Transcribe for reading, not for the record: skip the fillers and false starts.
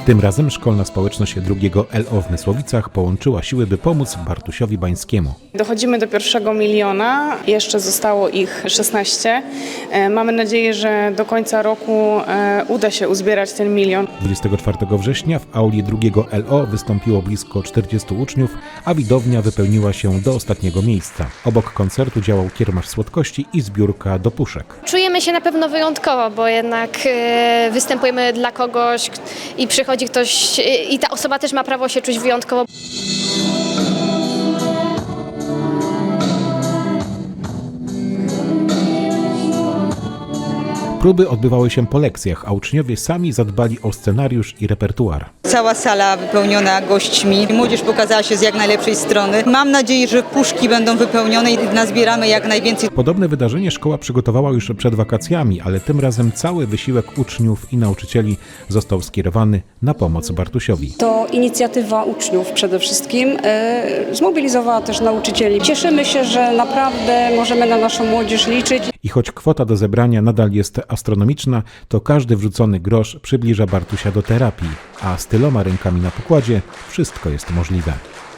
Tym razem szkolna społeczność drugiego LO w Mysłowicach połączyła siły, by pomóc Bartusiowi Bańskiemu. Dochodzimy do 1 miliona, jeszcze zostało ich 16. Mamy nadzieję, że do końca roku uda się uzbierać ten milion. 24 września w auli drugiego LO wystąpiło blisko 40 uczniów, a widownia wypełniła się do ostatniego miejsca. Obok koncertu działał kiermasz słodkości i zbiórka do puszek. Czujemy się na pewno wyjątkowo, bo jednak występujemy dla kogoś i przychodzi ktoś i ta osoba też ma prawo się czuć wyjątkowo. Próby odbywały się po lekcjach, a uczniowie sami zadbali o scenariusz i repertuar. Cała sala wypełniona gośćmi. Młodzież pokazała się z jak najlepszej strony. Mam nadzieję, że puszki będą wypełnione i nazbieramy jak najwięcej. Podobne wydarzenie szkoła przygotowała już przed wakacjami, ale tym razem cały wysiłek uczniów i nauczycieli został skierowany na pomoc Bartusiowi. To inicjatywa uczniów przede wszystkim zmobilizowała też nauczycieli. Cieszymy się, że naprawdę możemy na naszą młodzież liczyć. I choć kwota do zebrania nadal jest astronomiczna, to każdy wrzucony grosz przybliża Bartusia do terapii, a z tyloma rękami na pokładzie wszystko jest możliwe.